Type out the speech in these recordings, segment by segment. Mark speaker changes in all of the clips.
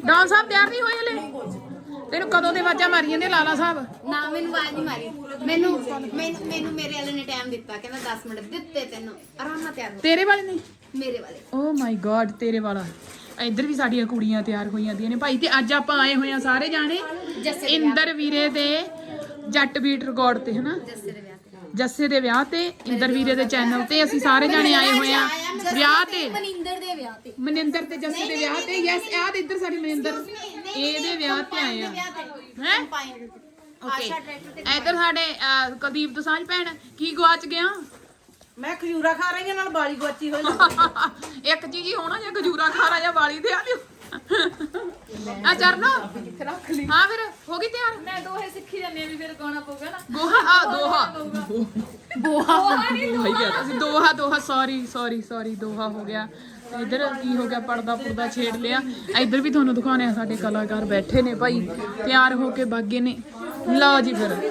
Speaker 1: Don ਸਾਹਿਬ ਤਿਆਰ ਨਹੀਂ ਹੋਏ ਹਲੇ? ਤੈਨੂੰ ਕਦੋਂ ਦੇ ਆਵਾਜ਼ਾਂ ਮਾਰੀ ਜਾਂਦੇ ਲਾਲਾ ਸਾਹਿਬ?
Speaker 2: ਨਾ ਮੈਨੂੰ ਆਵਾਜ਼ ਨਹੀਂ ਮਾਰੀ। ਮੈਨੂੰ ਮੇਰੇ ਵਾਲੇ ਨੇ ਟਾਈਮ ਦਿੱਤਾ, ਕਹਿੰਦਾ 10 ਮਿੰਟ ਦਿੱਤੇ ਤੈਨੂੰ, ਆਰਾਮ ਨਾਲ ਤਿਆਰ ਹੋ।
Speaker 1: ਤੇਰੇ ਵਾਲੇ ਨੇ?
Speaker 2: ਮੇਰੇ ਵਾਲੇ।
Speaker 1: ਓ ਮਾਈ ਗॉड, ਤੇਰੇ ਵਾਲਾ। ਇੱਧਰ ਵੀ ਸਾਡੀਆਂ ਕੁੜੀਆਂ ਤਿਆਰ ਹੋਈ ਜਾਂਦੀਆਂ ਨੇ ਭਾਈ। ਤੇ ਅੱਜ ਆਪਾਂ ਆਏ ਹੋਏ ਆ ਸਾਰੇ ਜਾਣੇ ਇੰਦਰ ਵੀਰੇ ਦੇ ਜੱਟ ਬੀਟ ਰਿਕਾਰਡ ਤੇ, ਹਨਾ, ਜੱਸੇ ਦੇ ਵਿਆਹ ਤੇ। ਇੰਦਰ ਵੀਰੇ ਦੇ ਚੈਨਲ ਤੇ ਅਸੀਂ ਸਾਰੇ ਜਾਣੇ ਆਏ ਹੋਏ ਆ ਵਿਆਹ ਤੇ,
Speaker 2: ਮਨਿੰਦਰ ਦੇ ਵਿਆਹ ਤੇ,
Speaker 1: ਮਨਿੰਦਰ ਤੇ ਜੱਸੇ ਦੇ ਵਿਆਹ ਤੇ। ਯੈਸ, ਆਹ ਤੇ ਇੱਧਰ ਸਾਡੀ ਮਨਿੰਦਰ ਇਹਦੇ ਵਿਆਹ ਤੇ ਆਏ ਆ ਹੈ। ਓਕੇ, ਇੱਧਰ ਸਾਡੇ ਕੁਲਦੀਪ ਦੋਸਾਂਝ ਭੈਣ। ਕੀ ਗਵਾਚ ਗਿਆ?
Speaker 3: ਮੈਂ ਖਜੂਰਾ ਖਾ ਰਹੀ ਹਾਂ, ਨਾਲ ਬਾਲੀ ਗੁਆਚੀ ਹੋਈ।
Speaker 1: ਇੱਕ ਚੀਜ਼ ਹੀ ਹੋਣਾ, ਜਾਂ ਖਜੂਰਾ ਖਾ ਰਾ ਜਾਂ ਵਾਲੀ ਤੇ ਆ ਦਿਓ। ਆ ਚਰਨਾ ਰੱਖ ਲਈ। ਹਾਂ ਫਿਰ ਹੋ ਗਈ ਤਿਆਰ?
Speaker 4: ਮੈਂ ਦੋਹੇ ਸਿੱਖੀ ਜਾਂਦੇ ਵੀ ਫਿਰ ਗਾਉਣਾ ਪਊਗਾ ਨਾ।
Speaker 1: ਦੋਹਾ ਭਾਈ ਕਹਿੰਦਾ ਸੀ ਦੋਹਾ। ਸੌਰੀ ਦੋਹਾ ਹੋ ਗਿਆ। ਇੱਧਰ ਕੀ ਹੋ ਗਿਆ, ਪਰਦਾ ਪੁਰਦਾ ਛੇੜ ਲਿਆ। ਇੱਧਰ ਵੀ ਤੁਹਾਨੂੰ ਦਿਖਾਉਣੇ ਆ, ਸਾਡੇ ਕਲਾਕਾਰ ਬੈਠੇ ਨੇ ਭਾਈ, ਤਿਆਰ ਹੋ ਕੇ ਬਾਗੇ ਨੇ। ਲਓ ਜੀ ਫਿਰ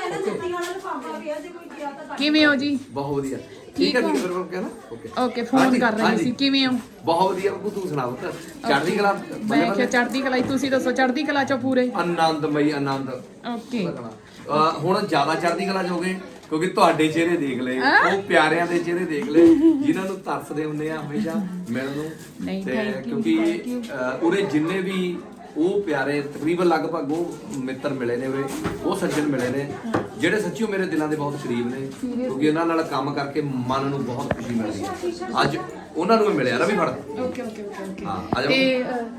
Speaker 1: ਕਿਵੇਂ ਹੋ ਜੀ?
Speaker 5: ਬਹੁਤ ਵਧੀਆ। ਠੀਕ ਹੈ ਜੀ, ਫਿਰ ਉਹ ਕਹਿੰਦਾ
Speaker 1: ਓਕੇ ਫੋਨ ਕਰ ਰਹੇ ਸੀ। ਕਿਵੇਂ ਹੋ?
Speaker 5: ਬਹੁਤ ਵਧੀਆ ਬੱਬੂ, ਤੂੰ ਸੁਣਾ ਪੁੱਤ? ਚੜ੍ਹਦੀ ਕਲਾ?
Speaker 1: ਮੈਂ ਕਿਹਾ ਚੜ੍ਹਦੀ ਕਲਾ। ਤੁਸੀਂ ਦੱਸੋ ਚੜ੍ਹਦੀ ਕਲਾ ਚੋਂ ਪੂਰੇ?
Speaker 5: ਆਨੰਦਮਈ ਆਨੰਦ।
Speaker 1: ਓਕੇ,
Speaker 5: ਹੁਣ ਜ਼ਿਆਦਾ ਚੜ੍ਹਦੀ ਕਲਾ ਚ ਹੋ ਗਏ ਕਿਉਂਕਿ ਤੁਹਾਡੇ ਚਿਹਰੇ ਦੇਖ ਲਏ, ਉਹ ਪਿਆਰਿਆਂ ਦੇ ਚਿਹਰੇ ਦੇਖ ਲਏ ਜਿਨ੍ਹਾਂ ਨੂੰ ਤਰਸਦੇ ਹੁੰਦੇ ਆ ਹਮੇਸ਼ਾ ਮਿਲਣ ਨੂੰ। ਤੇ ਕਿਉਂਕਿ ਉਰੇ ਜਿੰਨੇ ਵੀ ਉਹ ਪਿਆਰੇ ਤਕਰੀਬਨ ਲਗਭਗ ਉਹ ਮਿੱਤਰ ਮਿਲੇ ਨੇ, ਉਹ ਸੱਜਣ ਮਿਲੇ ਨੇ ਜਿਹੜੇ ਸੱਚੀਓ ਮੇਰੇ ਦਿਲਾਂ ਦੇ ਬਹੁਤ ਕਰੀਬ ਨੇ, ਕਿਉਂਕਿ ਉਹਨਾਂ ਨਾਲ ਕੰਮ ਕਰਕੇ ਮਨ ਨੂੰ ਬਹੁਤ ਖੁਸ਼ੀ ਮਿਲਦੀ ਹੈ। ਅੱਜ ਉਹਨਾਂ ਨੂੰ ਮਿਲਿਆ ਰਵੀ ਫੜ।
Speaker 1: ਓਕੇ
Speaker 5: ਹਾਂ, ਆ ਜਾਓ।
Speaker 1: ਤੇ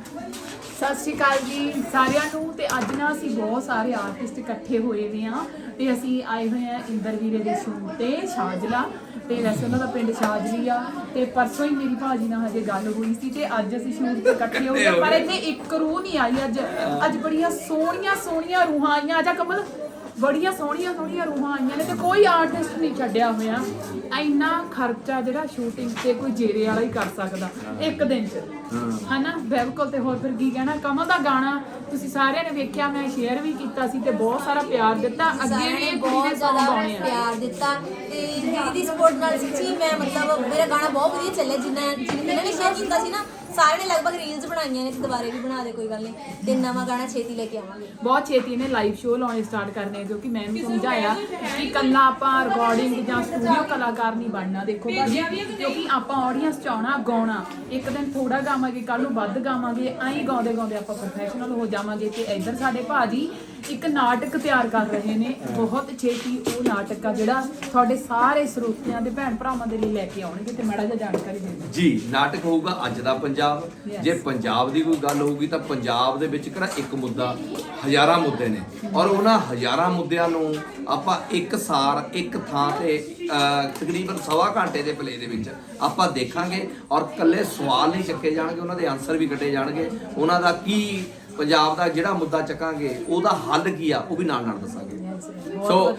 Speaker 1: ਸਤਿ ਸ਼੍ਰੀ ਅਕਾਲ ਜੀ ਸਾਰਿਆਂ ਨੂੰ। ਤੇ ਅੱਜ ਨਾ ਅਸੀਂ ਬਹੁਤ ਸਾਰੇ ਆਰਟਿਸਟ ਇਕੱਠੇ ਹੋਏ ਵੇ ਆ ਤੇ ਅਸੀਂ ਆਏ ਹੋਏ ਆ ਇੰਦਰ ਵੀਰੇ ਦੇ ਸ਼ੂਟ ਤੇ ਸ਼ਾਜਲਾ। ਤੇ ਵੈਸੇ ਉਹਨਾਂ ਦਾ ਪਿੰਡ ਸ਼ਾਜਲੀ ਆ। ਤੇ ਪਰਸੋਂ ਹੀ ਮੇਰੀ ਭਾਜੀ ਨਾਲ ਹਜੇ ਗੱਲ ਹੋਈ ਸੀ ਤੇ ਅੱਜ ਅਸੀਂ ਸ਼ੂਟ ਤੇ ਇਕੱਠੇ ਹੋ ਗਏ। ਪਰ ਇੱਥੇ ਇੱਕ ਰੂਹ ਨਹੀਂ ਆਈ ਅੱਜ ਬੜੀਆਂ ਸੋਹਣੀਆਂ ਰੂਹਾਂ ਆਈਆਂ। ਆਜਾ ਕਮਲ, ਬੜੀਆਂ ਸੋਹਣੀਆਂ ਰੂਹਾਂ ਆਈਆਂ ਨੇ ਤੇ ਕੋਈ ਆਰਟਿਸਟ ਨਹੀਂ ਛੱਡਿਆ ਹੋਇਆ। ਇੰਨਾ ਖਰਚਾ ਜਿਹੜਾ ਸ਼ੂਟਿੰਗ ਤੇ ਕੋਈ ਜੇਰੇ ਵਾਲਾ ਹੀ ਕਰ ਸਕਦਾ ਇੱਕ ਦਿਨ 'ਚ, ਹਨਾ? ਬਿਲਕੁਲ। ਤੇ ਹੋਰ ਫਿਰ ਕੀ ਕਹਿਣਾ। ਕਮਲ ਦਾ ਗਾਣਾ ਤੁਸੀਂ ਸਾਰਿਆਂ ਨੇ ਵੇਖਿਆ, ਮੈਂ ਸ਼ੇਅਰ ਵੀ ਕੀਤਾ ਸੀ ਤੇ ਬਹੁਤ ਸਾਰਾ ਪਿਆਰ ਦਿੱਤਾ। ਅੱਗੇ ਵੀ ਇਹ
Speaker 2: ਬਹੁਤ ਜ਼ਿਆਦਾ ਪਿਆਰ ਦਿੱਤਾ ਤੇ ਦੀਦੀ ਦੀ ਸਪੋਰਟ ਨਾਲ ਸੱਚੀ ਮੈਂ ਮਤਲਬ ਮੇਰਾ ਗਾਣਾ ਬਹੁਤ ਵਧੀਆ ਚੱਲਿਆ। ਜਿਨ੍ਹਾਂ ਨੇ ਸ਼ੇਅਰ ਕੀਤਾ ਸੀ ਨਾ, ਸਾਰਿਆਂ ਨੇ ਲਗਭਗ ਰੀਲਸ ਬਣਾਈਆਂ ਨੇ ਤੇ ਦੁਬਾਰੇ ਵੀ ਬਣਾ ਦੇ, ਕੋਈ ਗੱਲ ਨਹੀਂ। ਤੇ ਨਵਾਂ ਗਾਣਾ ਛੇਤੀ ਲੈ ਕੇ ਆਵਾਂਗੇ।
Speaker 1: ਬਹੁਤ ਛੇਤੀ ਇਹਨੇ ਲਾਈਵ ਸ਼ੋਅ ਲਾਉਣੇ ਸਟਾਰਟ ਕਰਨੇ, ਕਿਉਂਕਿ ਮੈਂ ਵੀ ਸਮਝਾਇਆ ਕਿ ਕੱਲਾ ਆਪਾਂ ਰਿਕਾਰਡਿੰਗ ਜਾਂ ਸਟੂਡੀਓ ਕਲਾਕਾਰ ਨਹੀਂ ਬਣਨਾ। ਦੇਖੋ ਭਾਜੀ, ਕਿਉਂਕਿ ਆਪਾਂ ਆਡੀਅנס ਚ ਆਉਣਾ, ਗਾਉਣਾ। ਇੱਕ ਦਿਨ ਥੋੜਾ ਗਾਵਾਂਗੇ, ਕੱਲ ਨੂੰ ਵੱਧ ਗਾਵਾਂਗੇ, ਐਂ ਗਾਉਂਦੇ ਆਪਾਂ ਪ੍ਰੋਫੈਸ਼ਨਲ ਹੋ ਜਾਵਾਂਗੇ। ਤੇ ਇੱਧਰ ਸਾਡੇ ਭਾਜੀ ਇੱਕ ਨਾਟਕ ਤਿਆਰ ਕਰ ਰਹੇ ਨੇ। ਬਹੁਤ ਛੇਤੀ ਉਹ ਨਾਟਕ ਆ ਜਿਹੜਾ ਤੁਹਾਡੇ ਸਾਰੇ ਸਰੋਤਿਆਂ ਦੇ ਭੈਣ ਭਰਾਵਾਂ ਦੇ ਲਈ ਲੈ ਕੇ ਆਉਣਗੇ। ਤੇ ਮਾੜਾ ਜਿਹਾ ਜਾਣਕਾਰੀ ਦੇ ਦਿਓ
Speaker 5: ਜੀ। ਨਾਟਕ ਹੋਊਗਾ ਅੱਜ ਦਾ ਪੰਜਾਬ। ਜੇ ਪੰਜਾਬ ਦੀ ਕੋਈ ਗੱਲ ਹੋਊਗੀ ਤਾਂ ਪੰਜਾਬ ਦੇ ਵਿੱਚ ਕਿਹੜਾ ਇੱਕ ਮੁੱਦਾ, ਹਜ਼ਾਰਾਂ ਮੁੱਦੇ ਨੇ, ਔਰ ਉਹਨਾਂ ਹਜ਼ਾਰਾਂ ਮੁੱਦਿਆਂ ਨੂੰ ਆਪਾਂ ਇੱਕ ਸਾਰ ਇੱਕ ਥਾਂ ਤੇ ਤਕਰੀਬਨ ਸਵਾ ਘੰਟੇ ਦੇ ਪਲੇ ਦੇ ਵਿੱਚ ਆਪਾਂ ਦੇਖਾਂਗੇ। ਔਰ ਇਕੱਲੇ ਸਵਾਲ ਨਹੀਂ ਚੱਕੇ ਜਾਣਗੇ, ਉਹਨਾਂ ਦੇ ਆਨਸਰ ਵੀ ਕੱਢੇ ਜਾਣਗੇ। ਉਹਨਾਂ ਦਾ ਕੀ, ਪੰਜਾਬ ਦਾ ਜਿਹੜਾ ਮੁੱਦਾ ਚੱਕਾਂਗੇ ਉਹਦਾ ਹੱਲ ਕੀ ਆ, ਉਹ ਵੀ ਨਾਲ ਦੱਸਾਂਗੇ। ਸੋ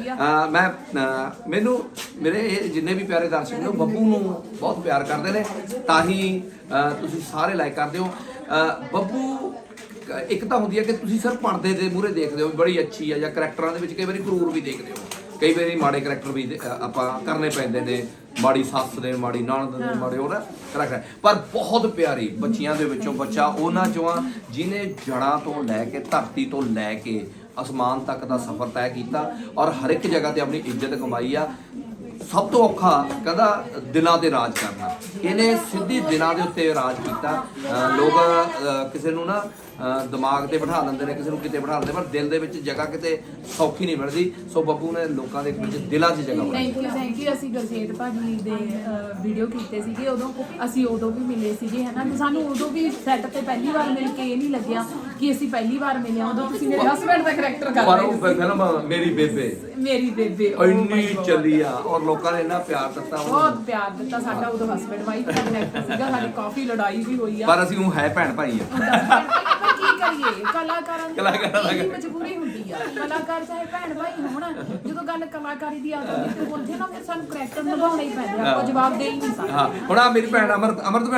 Speaker 5: ਮੈਨੂੰ ਮੇਰੇ ਇਹ ਜਿੰਨੇ ਵੀ ਪਿਆਰੇ ਦਰਸ਼ਕ ਨੇ, ਬੱਬੂ ਨੂੰ ਬਹੁਤ ਪਿਆਰ ਕਰਦੇ ਨੇ, ਤਾਂ ਹੀ ਤੁਸੀਂ ਸਾਰੇ ਲਾਈਕ ਕਰਦੇ ਹੋ। ਬੱਬੂ ਇੱਕ ਤਾਂ ਹੁੰਦੀ ਹੈ ਕਿ ਤੁਸੀਂ ਸਿਰਫ ਪਰਦੇ ਦੇ ਮੂਹਰੇ ਦੇਖਦੇ ਹੋ ਬੜੀ ਅੱਛੀ ਆ, ਜਾਂ ਕਰੈਕਟਰਾਂ ਦੇ ਵਿੱਚ ਕਈ ਵਾਰੀ ਕਰੂਰ ਵੀ ਦੇਖਦੇ ਹੋ, ਕਈ ਵਾਰੀ ਮਾੜੇ ਕਰੈਕਟਰ ਵੀ ਆਪਾਂ ਕਰਨੇ ਪੈਂਦੇ ਨੇ, ਮਾੜੀ ਸੱਸ ਦੇ, ਮਾੜੀ ਨਣਦ ਦੇ, ਮਾੜੇ ਹੋਰ ਕਰੈਕਟਰ। ਪਰ ਬਹੁਤ ਪਿਆਰੀ ਬੱਚੀਆਂ ਦੇ ਵਿੱਚੋਂ ਬੱਚਾ ਉਹਨਾਂ ਚੋਂ ਆ ਜਿਹਨੇ ਜੜ੍ਹਾਂ ਤੋਂ ਲੈ ਕੇ ਧਰਤੀ ਤੋਂ ਲੈ ਕੇ ਅਸਮਾਨ ਤੱਕ ਦਾ ਸਫ਼ਰ ਤੈਅ ਕੀਤਾ ਔਰ ਹਰ ਇੱਕ ਜਗ੍ਹਾ ਤੇ ਆਪਣੀ ਇੱਜ਼ਤ ਕਮਾਈ ਆ। ਸਭ ਤੋਂ ਔਖਾ ਕਹਿੰਦਾ ਦਿਲਾਂ ਤੇ ਰਾਜ ਕਰਨਾ। ਇਹਨੇ ਸਿੱਧੀ ਦਿਲਾਂ ਦੇ ਉੱਤੇ ਰਾਜ ਕੀਤਾ। ਲੋਕ ਕਿਸੇ ਨੂੰ ਨਾ ਦਿਮਾਗ ਤੇ ਬਿਠਾ ਲੈਂਦੇ ਨੇ, ਕਿਸੇ ਨੂੰ ਕਿਤੇ ਬਿਠਾ ਲੈਂਦੇ, ਪਰ ਦਿਲ ਦੇ ਵਿੱਚ ਜਗ੍ਹਾ ਕਿਤੇ ਸੌਖੀ ਨਹੀਂ ਮਿਲਦੀ। ਸੋ ਬੱਬੂ ਨੇ ਲੋਕਾਂ ਦੇ ਵਿੱਚ ਦਿਲਾਂ 'ਚ ਜਗ੍ਹਾ ਬਣਾਈ।
Speaker 1: Thank you. ਅਸੀਂ ਗੁਰਜੀਤ ਭਾਜੀ ਦੇ ਵੀਡੀਓ ਕੀਤੇ ਸੀਗੇ, ਉਦੋਂ ਵੀ ਮਿਲੇ ਸੀਗੇ, ਹਨਾ? ਤੇ ਸਾਨੂੰ ਉਦੋਂ ਵੀ ਸੈੱਟ ਤੇ ਪਹਿਲੀ ਵਾਰ ਮਿਲ ਕੇ ਇਹ ਨਹੀਂ ਲੱਗਿਆ ਕਿ ਅਸੀਂ ਪਹਿਲੀ ਵਾਰ ਮਿਲੇ। ਉਦੋਂ ਤੁਸੀਂ ਮੇਰੇ ਹਸਬੈਂਡ ਦਾ ਕਰੈਕਟਰ ਕਰ ਰਹੇ ਸੀ।
Speaker 5: ਪਰ ਉਹ ਫਿਲਮ ਮੇਰੀ ਬੇਬੇ ਇੰਨੀ ਚੱਲੀ ਆ ਔਰ ਲੋਕਾਂ ਨੇ ਇੰਨਾ ਪਿਆਰ ਦਿੱਤਾ,
Speaker 1: ਬਹੁਤ ਪਿਆਰ ਦਿੱਤਾ। ਸਾਡਾ ਉਦੋਂ ਹਸਬੈਂਡ ਵਾਈਫ ਦਾ ਕਰੈਕਟਰ ਸੀਗਾ, ਸਾਡੀ ਕਾਫੀ ਲੜਾਈ ਵੀ ਹੋਈ ਆ,
Speaker 5: ਪਰ ਅਸੀਂ ਉਹ ਹੈ ਭੈਣ ਭਾਈ ਆ।
Speaker 1: ਕੀ ਕਰੀਏ, ਕਲਾਕਾਰਾਂ ਦੀ ਮਜਬੂਰੀ ਹੁੰਦੀ ਆ। ਕਲਾਕਾਰ ਚਾਹੇ ਭੈਣ ਭਾਈ ਹੋਣ, ਜਦੋਂ ਗੱਲ ਕਲਾਕਾਰੀ ਦੀ ਆ ਜਾਂਦੀ ਤੇ ਉੱਥੇ ਨਾ ਫਿਰ ਸਾਨੂੰ ਕਰੈਕਟਰ ਨਿਭਾਉਣਾ ਹੀ ਪੈਂਦਾ। ਆਪਾਂ ਜਵਾਬ ਦੇ ਹੀ ਨਹੀਂ ਸਕਦੇ।
Speaker 5: ਹਾਂ, ਹੁਣ ਆ ਮੇਰੀ ਭੈਣ ਅਮਰਤ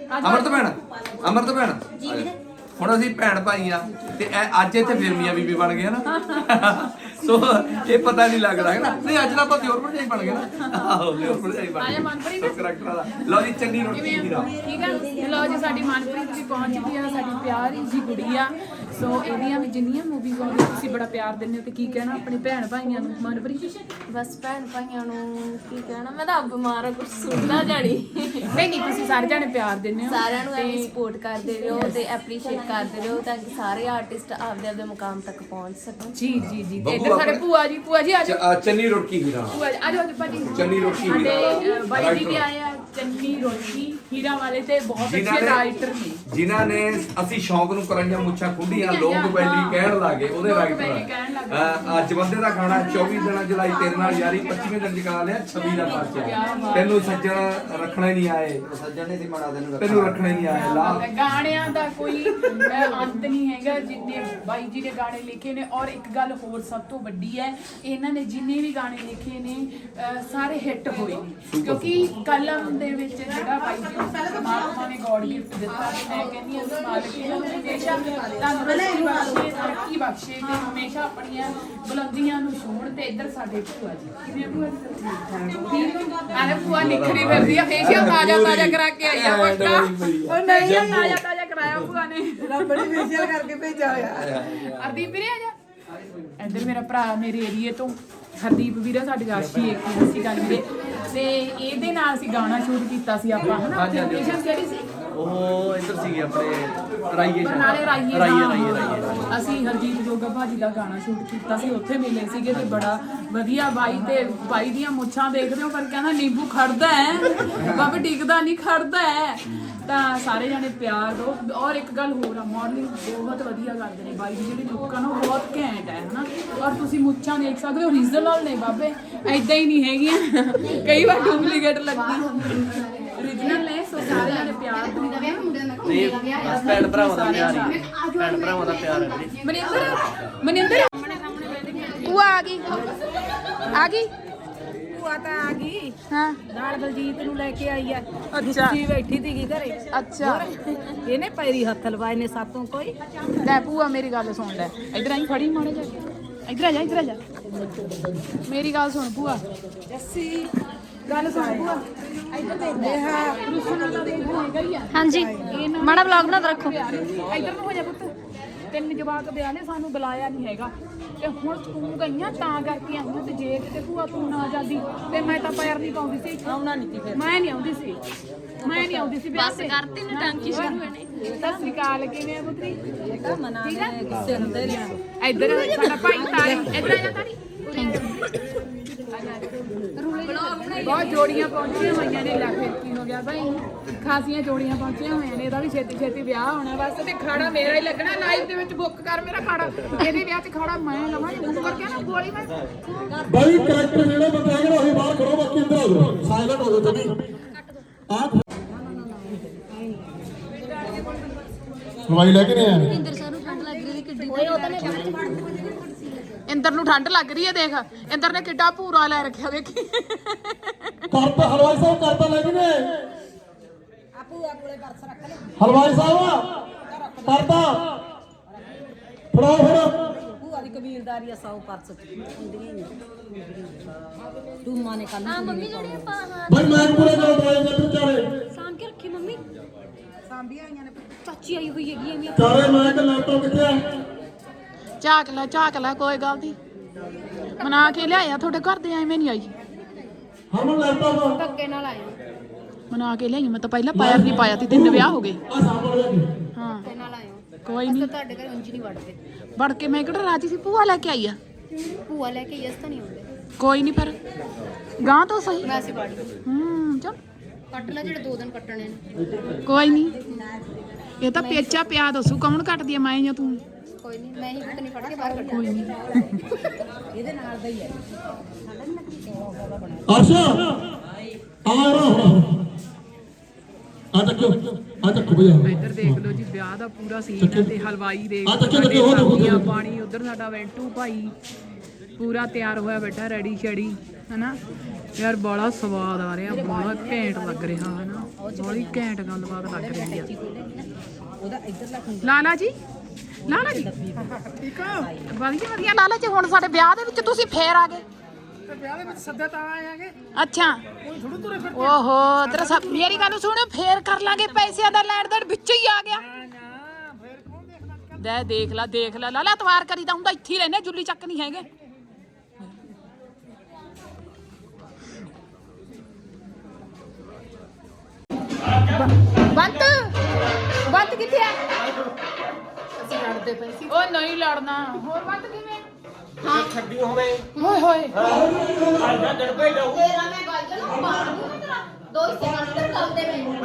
Speaker 5: ਭੈਣ ਹੁਣ ਅਸੀਂ ਭੈਣ ਭਾਈ ਆ ਤੇ ਅੱਜ ਇੱਥੇ ਫਿਰ ਮੀਆਂ ਬੀਬੀ ਬਣ ਗਏ ਨਾ। ਸੋ ਇਹ ਪਤਾ ਨਹੀਂ ਲੱਗਦਾ ਹੈ ਨਾ। ਨਹੀਂ ਅੱਜ ਦਾ ਆਪਾਂ ਦਿਓਰ ਭਰਜਾਈ ਬਣ ਗਏ ਨਾ। ਆਹੋ ਦਿਓਰ ਭਰਜਾਈ ਬਣ
Speaker 1: ਆਇਆ
Speaker 5: ਗਏ
Speaker 1: ਮਨਪ੍ਰੀਤ
Speaker 5: ਕਰੈਕਟਰ ਵਾਲਾ। ਲਓ ਜੀ ਚੰਨੀ ਰੋਟੀ
Speaker 1: ਕਿਵੇਂ
Speaker 5: ਦੀ
Speaker 1: ਆ? ਠੀਕ ਆ ਤੇ ਲਓ ਜੀ ਸਾਡੀ ਮਨਪ੍ਰੀਤ ਵੀ ਪਹੁੰਚ ਚੁੱਕੀ ਆ, ਸਾਡੀ ਪਿਆਰੀ ਜੀ ਕੁੜੀ ਆ। ਸੋ ਇਹਦੀਆਂ ਵੀ ਜਿੰਨੀਆਂ ਮੂਵੀਜ਼ ਆਉਂਦੀਆਂ ਤੁਸੀਂ ਬੜਾ ਪਿਆਰ ਦਿੰਦੇ ਹੋ ਤੇ ਕੀ ਕਹਿਣਾ ਆਪਣੇ ਭੈਣ ਭਾਈਆਂ ਨੂੰ ਮਨਪ੍ਰੀਤ?
Speaker 2: ਬਸ ਭੈਣ ਭਾਈਆਂ ਨੂੰ ਕੀ ਕਹਿਣਾ, ਮੈਂ ਤਾਂ ਬਿਮਾਰ ਆ, ਕੁਝ ਸੁਣਦਾ ਜਾਣੀ।
Speaker 1: ਨਹੀਂ ਤੁਸੀਂ ਸਾਰੇ ਜਾਣੇ ਪਿਆਰ ਦਿੰਦੇ ਹੋ
Speaker 2: ਸਾਰਿਆਂ ਨੂੰ ਐਵੇਂ ਸਪੋਰਟ ਕਰਦੇ ਰਹੋ ਤੇ ਐਪਰੀਸ਼ੀਏਟ ਕਰਦੇ ਰਹੋ ਤਾਂ ਕਿ ਸਾਰੇ ਆਰਟਿਸਟ ਆਪਦੇ ਆਪਦੇ ਮੁਕਾਮ ਤੱਕ ਪਹੁੰਚ ਸਕਣ।
Speaker 1: ਜੀ ਜੀ ਜੀ ਤੇ ਇੱਧਰ ਸਾਡੇ ਭੂਆ ਜੀ ਆ ਜਾਓ।
Speaker 5: ਚੰਨੀ ਰੋਟੀ ਹੀਰਾ
Speaker 1: ਭੂਆ ਜੀ ਆ ਜਾਓ ਭਾਜੀ।
Speaker 5: ਚੰਨੀ ਰੋਟੀ ਹੀਰਾ
Speaker 1: ਸਾਡੇ ਬਾਈ ਜੀ ਵੀ ਆਏ ਆ ਚੰਨੀ ਰੋਟੀ ਹੀਰਾ ਵਾਲੇ ਤੇ ਬਹੁਤ ਅੱਛੇ ਰਾਈਟਰ ਨੇ
Speaker 5: ਜਿਨ੍ਹਾਂ ਨੇ ਅਸੀਂ ਸ਼ੌਂਕ ਨੂੰ ਕਰਾਈਆਂ ਮੁੱਛਾਂ ਖੁੱਡੀਆਂ ਲੋਕ ਵੈਲੀ ਕਹਿਣ ਲੱਗੇ ਉਹਦੇ ਰਾਈਟਰ। ਅੱਜ ਬੰਦੇ ਦਾ ਗਾਣਾ 24 ਦਿਨਾਂ ਜੁਲਾਈ ਤੇਰੇ ਨਾਲ ਯਾਰੀ 25ਵੇਂ ਦਿਨ ਜਗਾ ਲਿਆ 26 ਦਾ ਪਾਚਿਆ ਤੈਨੂੰ ਸੱਜਣ ਰੱਖਣਾ ਹੀ ਨਹੀਂ ਆਏ ਸੱਜਣ ਨੇ ਮਾੜਾ ਤੈਨੂੰ ਰੱਖਣਾ ਹੀ ਨਹੀਂ ਆਏ ਲਾ
Speaker 1: ਗਾਣਿਆਂ ਦਾ ਕੋਈ ਅੰਤ ਨਹੀਂ ਹੈਗਾ ਜਿੰਨੇ ਬਾਈ ਜੀ ਨੇ ਗਾਣੇ ਲਿਖੇ ਨੇ। ਔਰ ਇੱਕ ਗੱਲ ਹੋਰ ਸਭ ਤੋਂ ਵੱਡੀ ਹੈ, ਇਹਨਾਂ ਨੇ ਜਿੰਨੇ ਵੀ ਗਾਣੇ ਲਿਖੇ ਨੇ ਸਾਰੇ ਹਿੱਟ ਹੋਏ ਨੇ ਕਿਉਂਕਿ ਕਲਮ ਦੇ ਵਿੱਚ ਜਿਹੜਾ ਬਾਈ ਜੀ ਨੂੰ ਪਰਮਾਤਮਾ ਨੇ ਗੋਡ ਗਿਫਟ ਦਿੱਤਾ। ਮੈਂ ਕਹਿੰਦੀ ਹਾਂ ਮਾਲਕ ਇਹਨਾਂ ਨੂੰ ਹਮੇਸ਼ਾ ਤੰਦਰੁਸਤੀ ਬਖਸ਼ੇ, ਤਰੱਕੀ ਬਖਸ਼ੇ ਤੇ ਹਮੇਸ਼ਾ ਆਪਣੀਆਂ ਬੁਲੰਦੀਆਂ ਨੂੰ ਛੂਹਣ। ਤੇ ਇੱਧਰ ਸਾਡੇ ਭੂਆ ਜੀ ਕਿਵੇਂ ਭੂਆ ਜੀ? ਅਰੇ ਭੂਆ ਨਿਖਰੀ ਫਿਰਦੀ ਆ, ਫੇਸ਼ੀਅਲ ਤਾਜ਼ਾ ਕਰਾ ਕੇ ਆਈ ਆ ਪੱਕਾ। ਉਹ ਨਹੀਂ ਤਾਜ਼ਾ ਕਰਾਇਆ ਭੂਆ ਨੇ,
Speaker 3: ਬੜੀ ਫੇਸ਼ੀਅਲ ਕਰਕੇ ਭੇਜਿਆ ਹੋਇਆ।
Speaker 1: ਹਰਦੀਪ ਵੀਰੇ ਆ ਜਾ ਇੱਧਰ। ਮੇਰਾ ਭਰਾ ਮੇਰੇ ਏਰੀਏ ਤੋਂ ਹਰਦੀਪ ਵੀਰੇ ਸਾਡੀ ਰਾਸ਼ੀ ਇੱਕ ਸੀ ਗੱਲ ਵੀਰੇ ਤੇ ਇਹਦੇ ਨਾਲ ਅਸੀਂ ਗਾਣਾ ਸ਼ੂਟ ਕੀਤਾ ਸੀ ਆਪਾਂ ਹਨਾ। ਲੋਕੇਸ਼ਨ ਕਿਹੜੀ ਸੀ?
Speaker 6: ਉਹ ਇੱਧਰ ਸੀਗੇ ਆਪਣੇ ਰਾਈਏ
Speaker 1: ਨਾਲੇ ਰਾਈਏ
Speaker 6: ਰਾਈਏ
Speaker 1: ਅਸੀਂ ਹਰਦੀਪ ਜੋਗਾ ਭਾਜੀ ਦਾ ਗਾਣਾ ਸ਼ੂਟ ਕੀਤਾ ਸੀ, ਉੱਥੇ ਮਿਲੇ ਸੀਗੇ ਤੇ ਬੜਾ ਵਧੀਆ ਬਾਈ ਤੇ ਬਾਈ ਦੀਆਂ ਮੁੱਛਾਂ ਦੇਖਦੇ ਹੋ ਪਰ ਕਹਿੰਦਾ ਨਿੰਬੂ ਖੜਦਾ ਹੈ ਬਾਬਾ ਡਿੱਗਦਾ ਨਹੀਂ ਖੜਦਾ ਹੈ। ਤਾਂ ਸਾਰੇ ਜਾਣੇ ਪਿਆਰ ਦਿਓ। ਔਰ ਇੱਕ ਗੱਲ ਹੋਰ ਆ, ਮਾਡਲਿੰਗ ਬਹੁਤ ਵਧੀਆ ਕਰਦੇ ਨੇ ਬਾਈ ਦੀ ਜਿਹੜੀ ਲੁੱਕ ਆ ਨਾ ਬਹੁਤ ਘੈਂਟ ਹੈ ਹਨਾ। ਔਰ ਤੁਸੀਂ ਮੁੱਛਾਂ ਦੇਖ ਸਕਦੇ ਹੋ ਓਰੀਜਨਲ ਨੇ ਬਾਬੇ, ਐਦਾਂ ਹੀ ਨਹੀਂ ਹੈਗੀਆਂ, ਕਈ ਵਾਰ ਡੁਪਲੀਕੇਟ ਲੱਗਦੀ ਓਰੀਜਨਲ ਨੇ। ਸੋ ਸਾਰੇ ਜਾਣੇ ਪਿਆਰ ਦਿਓ।
Speaker 6: ਤੇ ਬਸ ਭੈਣ ਭਰਾਵਾਂ ਦਾ ਪਿਆਰ ਹੀ ਭੈਣ ਭਰਾਵਾਂ ਦਾ ਪਿਆਰ ਹੈ ਵੀਰੇ।
Speaker 1: ਮਨਿੰਦਰ ਭੂਆ ਆ ਗਈ
Speaker 3: ਭੂਆ ਤਾਂ ਆ ਗਈ
Speaker 1: ਹਾਂ
Speaker 3: ਨਾਲ ਬਲਜੀਤ ਨੂੰ ਲੈ ਕੇ ਆਈ ਆ।
Speaker 1: ਅੱਛਾ
Speaker 3: ਜੀ ਬੈਠੀ ਸੀਗੀ ਘਰੇ।
Speaker 1: ਅੱਛਾ
Speaker 3: ਇਹਨੇ ਪੈਰੀ ਹੱਥ ਲਵਾਏ ਨੇ ਸਾਤੋਂ ਕੋਈ।
Speaker 1: ਲੈ ਭੂਆ ਮੇਰੀ ਗੱਲ ਸੁਣ ਲੈ, ਇਧਰ ਆਈ ਫੜੀ ਮਾੜੇ ਜਾ, ਇਧਰ ਆ ਜਾ ਮੇਰੀ ਗੱਲ ਸੁਣ ਭੂਆ।
Speaker 3: ਜੱਸੀ
Speaker 1: ਗੱਲ ਸੁਣ ਭੂਆ, ਇਧਰ ਦੇਖ ਲੈ ਰੁਸਨ ਵਾਲਾ ਦੇਖ ਹੈਗਾ ਹੀ ਆ।
Speaker 2: ਹਾਂਜੀ ਮਾੜਾ ਵਲੌਗ ਬਣਾ ਕੇ ਰੱਖੋ।
Speaker 1: ਇਧਰ ਨੂੰ ਹੋ ਜਾ ਪੁੱਤ। 3 ਜਵਾਕ ਵਿਆਹ ਨੇ ਸਾਨੂੰ ਬੁਲਾਇਆ ਨਹੀਂ ਹੈਗਾ ਤੇ ਹੁਣ ਤੂੰ ਗਈਆਂ ਤਾਂ ਕਰਕੇ ਆਉਂਦਾ ਤੇ ਜੇ ਕਿਤੇ ਭੂਆ ਤੂੰ ਨਾ ਜਾਂਦੀ ਤੇ ਮੈਂ ਤਾਂ ਪੈਰ ਨਹੀਂ ਪਾਉਂਦੀ ਸੀ, ਆਉਣਾ ਨਹੀਂ ਸੀ ਫਿਰ। ਮੈਂ ਨਹੀਂ ਆਉਂਦੀ ਸੀ ਵਿਆਹ ਤੇ।
Speaker 2: ਕਰਤੀ ਨੇ ਟਾਂਕੀ ਸ਼ੁਰੂ ਹੋਣੀ।
Speaker 1: ਸਤਿ ਸ੍ਰੀ ਅਕਾਲ, ਕਿਵੇਂ ਆ ਪੁੱਤਰੀ?
Speaker 3: ਮਨਾ ਦੇ ਗੁੱਸੇ ਹੁੰਦੇ ਨੇ।
Speaker 1: ਇੱਧਰ ਸਾਡਾ ਭਾਈ ਤਾਰੀ, ਇੱਧਰ ਆ ਜਾ ਤਾਰੀ। ਬਹੁਤ ਜੋੜੀਆਂ ਪਹੁੰਚੀਆਂ ਹੋਈਆਂ ਨੇ। ਲੈ ਫਿਰ ਕੀ ਹੋ ਗਿਆ ਭਾਈ, ਖਾਸੀਆਂ ਜੋੜੀਆਂ ਪਹੁੰਚੀਆਂ ਹੋਈਆਂ ਨੇ। ਇਹਦਾ ਵੀ ਛੇਤੀ ਵਿਆਹ ਹੋਣਾ ਬਸ। ਤੇ ਖਾੜਾ ਮੇਰਾ ਹੀ ਲੱਗਣਾ ਲਾਈਵ ਦੇ ਵਿੱਚ। ਬੁੱਕ ਕਰ ਮੇਰਾ ਖਾੜਾ, ਇਹਦੇ ਵਿਆਹ 'ਚ ਖਾੜਾ ਮੈਂ ਲਵਾਂ। ਬੁੱਕ ਕਰਕੇ ਨਾ ਗੋਲੀ ਮੈਂ
Speaker 7: ਬਾਈ ਕਰੈਕਟਰ ਜਿਹੜੇ ਬੰਦੇ ਹੈਗੇ ਉਹੀ ਬਾਹਰ ਕਰੋ, ਬਾਕੀ ਅੰਦਰ ਆ ਜਾਓ, ਸਾਇਲੈਂਟ ਹੋ ਜਾਓ ਤੁਸੀਂ। ਆਹ ਹਵਾਈ ਲੈ ਕੇ ਨਹੀਂ ਆਇਆ।
Speaker 2: ਇੰਦਰ ਸਰ ਨੂੰ ਠੰਡ ਲੱਗ ਰਹੀ ਕਿੱਡੀ
Speaker 1: ਇੰਦਰ ਨੂੰ ਠੰਡ ਲੱਗ ਰਹੀ ਹੈ। ਦੇਖ ਇੰਦਰ ਨੇ ਕਿੱਡਾ ਭੂਰਾ ਲੈ ਰੱਖਿਆ, ਦੇਖੀ।
Speaker 7: ਕਰਤਾ ਹਲਵਾਈ ਸਾਹਿਬ ਕਰਤਾ ਲੈ ਕੇ ਨੇ
Speaker 3: ਆ ਭੂਆ ਕੋਲੇ ਪਰਸ ਰੱਖ ਲੈ।
Speaker 7: ਹਲਵਾਈ ਸਾਹਿਬ ਕਰਤਾ ਫੜਾਓ ਫਿਰ।
Speaker 3: ਭੂਆ ਦੀ ਕਬੀਲਦਾਰੀ ਆ 100 ਪਰਸ ਹੁੰਦੀਆਂ ਹੀ ਟੂਮਾ ਨੇ ਕੱਲ
Speaker 2: ਮੰਮੀ ਜਿਹੜੀ ਆਪਾਂ
Speaker 7: ਬਾਈ ਮੈਂ ਪੂਰੇ ਕਰ ਦਵਾਈ ਦੇ ਵਿਚਾਰੇ
Speaker 2: ਸਾਂਭ ਕੇ ਰੱਖੀ ਮੰਮੀ।
Speaker 3: ਸਾਂਭੀਆਂ ਆਈਆਂ ਨੇ।
Speaker 2: ਚਾਚੀ ਆਈ ਹੋਈ ਹੈਗੀ ਐਵੇਂ।
Speaker 7: ਚਾਰੇ ਮੈਂ ਕਿ ਲੈਪਟਾਪ ਕਿੱਥੇ ਆ?
Speaker 1: ਝਾਕ ਲੈ ਕੋਈ ਗੱਲ ਨਹੀਂ। ਮਨਾ ਕੇ ਲਿਆਇਆ ਤੁਹਾਡੇ ਘਰ ਦੇ, ਐਵੇਂ ਨਹੀਂ ਆਈ।
Speaker 7: ਹਮ ਲੈਪਟਾਪ
Speaker 2: ਧੱਕੇ ਨਾਲ ਆਏ
Speaker 1: ਮਨਾ ਕੇ ਲਿਆਈ। ਮੈਂ ਤਾਂ ਪਹਿਲਾਂ ਪੈਰ ਨਹੀਂ ਪਾਇਆ ਸੀ, 3 ਵਿਆਹ ਹੋ ਗਏ।
Speaker 7: ਆ ਸਾਹਮਣੇ ਲੈ
Speaker 1: ਹਾਂ
Speaker 2: ਧੱਕੇ ਨਾਲ ਆਏ
Speaker 1: ਕੋਈ ਨਹੀਂ,
Speaker 2: ਤੁਹਾਡੇ ਘਰ ਉਂਝ ਨਹੀਂ ਵੜਦੇ।
Speaker 1: ਵੜ ਕੇ ਮੈਂ ਕਿਹੜਾ ਰਾਜੀ ਸੀ। ਭੂਆ ਲੈ ਕੇ ਆਈ ਆ।
Speaker 2: ਭੂਆ ਲੈ ਕੇ ਯਸ ਤਾਂ ਨਹੀਂ ਹੁੰਦੇ।
Speaker 1: ਕੋਈ ਨਹੀਂ ਫਿਰ ਗਾਂ ਤੋਂ ਸਹੀ।
Speaker 2: ਵੈਸੇ ਵੜ
Speaker 1: ਚੱਲ
Speaker 2: ਕੱਟ ਲੈ ਜਿਹੜੇ 2 ਦਿਨ ਕੱਟਣੇ ਨੇ।
Speaker 1: ਕੋਈ ਨਹੀਂ, ਇਹ ਤਾਂ ਪੇਚਾ ਪਿਆ ਦੱਸੂ ਕੌਣ ਕੱਟਦੀ ਆ, ਮੈਂ ਜਾਂ ਤੂੰ?
Speaker 2: ਕੋਈ ਨਹੀਂ ਮੈਂ ਹੀ ਕੁੱਤ ਨਹੀਂ ਫੜ ਕੇ ਬਾਹਰ ਕੱਢ।
Speaker 1: ਕੋਈ ਨਹੀਂ।
Speaker 3: ਇਹਦੇ ਨਾਲ ਦਾ ਹੀ ਹੈ।
Speaker 7: ਆਸ਼ਾ ਆ ਰਹਾ ਆ ਤੱਕ ਭਈਆ
Speaker 1: ਇੱਧਰ ਦੇਖ ਲਓ ਜੀ, ਵਿਆਹ ਦਾ ਪੂਰਾ ਸੀਨ ਹੈ ਤੇ ਹਲਵਾਈ ਦੇਖ
Speaker 7: ਆ ਤੱਕ ਉਹ
Speaker 1: ਸਬਜ਼ੀਆਂ ਪਾਣੀ। ਉਧਰ ਸਾਡਾ ਵੈਂਟੂ ਭਾਈ ਪੂਰਾ ਤਿਆਰ ਹੋਇਆ ਬੈਠਾ, ਰੈਡੀ ਸ਼ੈਡੀ ਹਨਾ। ਯਾਰ ਬੜਾ ਸਵਾਦ ਆ ਰਿਹਾ, ਬੜਾ ਘੈਂਟ ਲੱਗ ਰਿਹਾ ਹਨਾ। ਬੜੀ ਘੈਂਟ ਗੱਲਬਾਤ ਲੱਗ ਰਹੀ ਆ।
Speaker 3: ਉਹਦਾ ਇੱਧਰਲਾ
Speaker 1: ਲਾਲਾ ਜੀ ਲਾਲਾ ਜੀ ਠੀਕ ਆ ਵਧੀਆ ਵਧੀਆ ਲਾਲਾ ਜੀ ਹੁਣ ਸਾਡੇ ਵਿਆਹ ਦੇ ਵਿੱਚ ਤੁਸੀਂ ਫੇਰ ਆ ਗਏ
Speaker 7: ਤੇ ਵਿਆਹ ਦੇ ਵਿੱਚ ਸੱਦੇ ਤਾਂ ਆਏ ਆਗੇ
Speaker 1: ਅੱਛਾ
Speaker 7: ਥੋੜੂ ਤੁਰੇ ਫਿਰ
Speaker 1: ਓਹੋ ਤੇਰਾ ਸਭ ਮੇਰੀ ਗੱਲ ਸੁਣ ਫੇਰ ਕਰ ਲਾਂਗੇ ਪੈਸਿਆਂ ਦਾ ਲੈਣ ਦੇਣ ਵਿੱਚ ਹੀ ਆ ਗਿਆ
Speaker 7: ਨਾ ਫਿਰ ਕੌਣ ਦੇਖਦਾ
Speaker 1: ਦੇਖ ਲੈ ਲਾਲਾ ਤਵਾਰ ਕਰੀਦਾ ਹੁੰਦਾ ਇੱਥੇ ਹੀ ਰਹਿੰਦੇ ਜੁੱਲੀ ਚੱਕ ਨਹੀਂ ਹੈਗੇ ਬੰਤ ਕਿੱਥੇ ਆ ਅਸੀਂ ਲੜਦੇ ਪਏ ਸੀ ਉਹ ਨਹੀਂ ਲੜਨਾ ਹੋਰ ਬੰਤ ਕਿਵੇਂ ਹਾਂ ਛੱਡੀ ਹੋਵੇ ਹੋਏ ਹੋਏ
Speaker 2: ਤੇਰਾ ਮੈਂ ਗੱਲ ਜਣਾ ਮਾਰ ਦੂੰ ਤੇਰਾ ਦੋ ਹਿੱਸੇ ਕਰ ਲੈ ਬੁਲਾਉਂਦੇ ਮੈਨੂੰ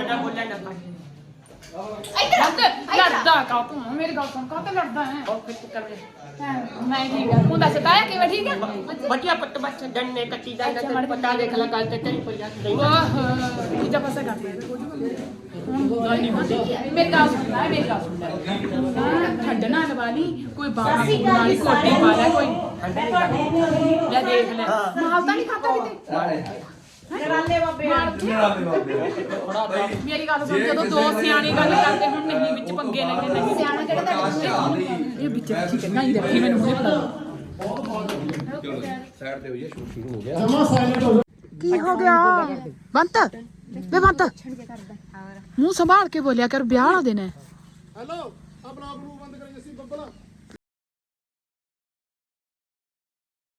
Speaker 1: ਬੰਤ ਲੜਦਾ ਕਾਕੂ ਮੇਰੀ ਗੱਲ ਸੁਣ ਕਾਤੇ ਲੜਦਾ ਹੈ ਉਹ ਫਿੱਟ ਕਰ ਮੈਂ ਠੀਕ ਹੈ ਤੂੰ ਦੱਸ ਤਾਇਆ ਕਿਵੇਂ ਠੀਕ ਹੈ
Speaker 6: ਬੱਚਿਆ ਪੱਟ ਬੱਚ ਡੰਨੇ ਕੱਟੀ ਦਾ ਤੈਨੂੰ ਪਤਾ ਦੇਖ ਲੈ ਗੱਲ ਤੇ ਤੇਰੀ ਪਈ ਆ
Speaker 1: ਵਾਹ ਦੂਜਾ ਪਾਸਾ ਕਰ ਦੇ ਮੇਰੀ ਗੱਲ ਸੁਣ ਲੈ ਮੇਰੀ ਗੱਲ ਸੁਣ ਲੈ ਛੱਡਣਾ ਲਵਾਲੀ ਕੋਈ ਬਾਹਰ ਵਾਲੀ ਕੋਟੀ ਪਾ ਲੈ ਕੋਈ ਲੈ ਦੇਖ ਲੈ ਮਾਲ ਤਾਂ ਨਹੀਂ ਖਾਤਾ ਕਿਤੇ
Speaker 3: ਨਰਾਲੇ ਬਾਬੇ
Speaker 1: ਮੇਰੀ ਗੱਲ ਸੁਣ ਜਦੋਂ ਦੋ ਸਿਆਣੇ ਗੱਲ ਕਰਦੇ ਹੁਣ ਨਹੀਂ ਵਿੱਚ ਪੰਗੇ ਲੈਣੇ ਨਹੀਂ ਸਿਆਣਾ ਕਿਹੜਾ ਇਹ ਵਿੱਚ ਠੀਕ ਹੈ ਨਹੀਂ ਦੇਖੀ ਮੈਨੂੰ ਹੁਣੇ ਪਤਾ
Speaker 5: ਚਲੋ ਸਾਈਡ ਤੇ ਹੋਈਏ ਸ਼ੂਟ ਸ਼ੁਰੂ ਹੋ ਗਿਆ
Speaker 7: ਜਮਾ ਸਾਇਲੈਂਟ ਹੋ
Speaker 1: ਕੀ ਹੋ ਗਿਆ ਬੰਤ ਵੇ ਬੰਤ ਮੂੰਹ ਸੰਭਾਲ ਕੇ ਬੋਲਿਆ ਕਰ ਵਿਆਹ ਵਾਲਾ ਦਿਨ ਹੈ
Speaker 7: ਹੈਲੋ ਆ ਬਲੌਗ ਨੂੰ ਬੰਦ ਕਰੀ ਅਸੀਂ ਬੱਬਲ